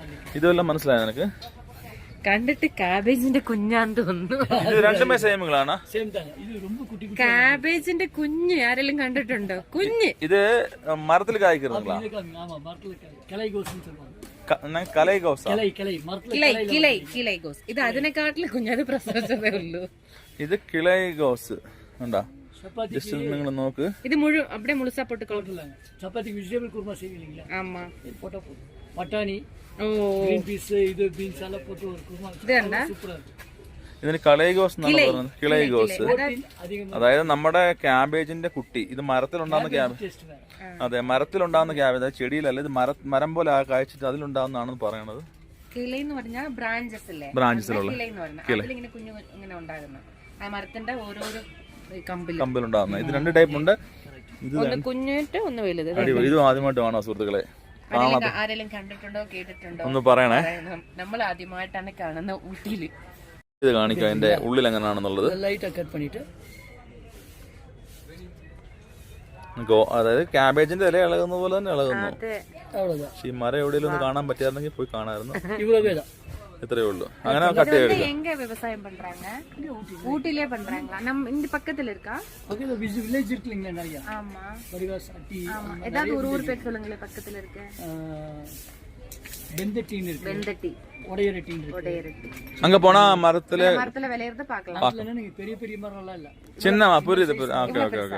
ഇതെല്ലാം മനസ്സിലായോ നിനക്ക്? കണ്ടിട്ട് കാബേജിന്റെ കുഞ്ഞാന്ന് തോന്നുന്നു. ഇത് രണ്ടുമേ സെയിമുകളാണ്. കാബേജിന്റെ കുഞ്ഞ് ആരെങ്കിലും കണ്ടിട്ടുണ്ടോ? കുഞ്ഞ് ഇത് മരത്തിൽ കായ്ക്കുന്നതാ. കിളൈഗോസ്. ഇത് അതിനെക്കാട്ടിലും കുഞ്ഞത് പ്രസവിച്ചതേ ഉള്ളൂ. ഇത് കിളൈഗോസ് ഉണ്ടാ. ജസ്റ്റ് നിങ്ങൾ നോക്ക്. ഇത് മുഴുവൻ அப்படியே முழுசா போட்டு சப்பாத்தி வெஜிடபிள் குருமா செய்வீங்களா? ஆமா. இது போட்டா போதும். பட்டாணி, green peas, இது beans எல்லாம் போட்டு ஒரு குருமா. ഇതെന്താ? சூப்பரா இருக்கு. ഇതിന് കളൈഗോസ് എന്നാണ് പറയുന്നത്. കിളൈഗോസ് അതായത് നമ്മുടെ ക്യാബേജിന്റെ കുട്ടി. ഇത് മരത്തിലുണ്ടാകുന്ന ക്യാബേജ്. അതെ, മരത്തിലുണ്ടാകുന്ന ക്യാബേജ്. അത് ചെടിയിലല്ല, ഇത് മരം പോലെ കായ്ച്ചിട്ട് അതിലുണ്ടാകുന്നതാണെന്ന് പറയണത്. കിളൈ എന്ന് പറഞ്ഞാൽ ബ്രാഞ്ചസ് അല്ലേ? ബ്രാഞ്ചസിലുള്ള ഇങ്ങനെ കുഞ്ഞു ഇങ്ങനെ ഉണ്ടാകുന്ന ആ മരത്തിന്റെ ഓരോരോ കമ്പിലുണ്ടാകുന്ന. ഇത് രണ്ട് ടൈപ്പ് ഉണ്ട്. ഒന്ന് കുഞ്ഞിട്ട് ഒന്ന് വലുത്. ഇത് ആദ്യമായിട്ട് കാണോ സുഹൃത്തുക്കളെ? ആരെങ്കിലും കണ്ടിട്ടുണ്ടോ കേട്ടിട്ടുണ്ടോ ഒന്ന് പറയണേ. നമ്മൾ ആദ്യമായിട്ടാണ് കാണുന്ന ഊട്ടിയില്. ഇത് കാണിക്കാം അതിന്റെ ഉള്ളിൽ എങ്ങനെയാണെന്നുള്ളത്. അതായത് ക്യാബേജിന്റെ ഇല ഇളകുന്ന പോലെ തന്നെ ഇളകുന്നു. പക്ഷെ ഈ മരം എവിടെയെങ്കിലും ഒന്ന് കാണാൻ പറ്റിയായിരുന്നെങ്കിൽ പോയി കാണാമായിരുന്നു. ഇത്രയേ ഉള്ളൂ. അങ്ങനെ കട്ട് ചെയ്തെടുക്കാം. எங்க விவசாயம் பண்றாங்க? ஊட்டிலே பண்றாங்களா? நம்ம இந்த பக்கத்துல இருக்கா? பக்கத்துல வில்லேஜ் இருக்குங்க நிறைய. ஆமா. வடிவாஸ் அட்டி. ஆமா. ஏதாவது ஒரு ஊர் பேர் சொல்லுங்களே பக்கத்துல இருக்க. வெந்தட்டின்னு இருக்கு. வெந்தட்டி. ஒடையரட்டி இருக்கு. ஒடையரட்டி. அங்க போனா மரத்துல விளையறத பார்க்கலாம். அதுல நீங்க பெரிய பெரிய மரம் எல்லாம் இல்ல. சின்னமா புரியுது. Okay okay okay.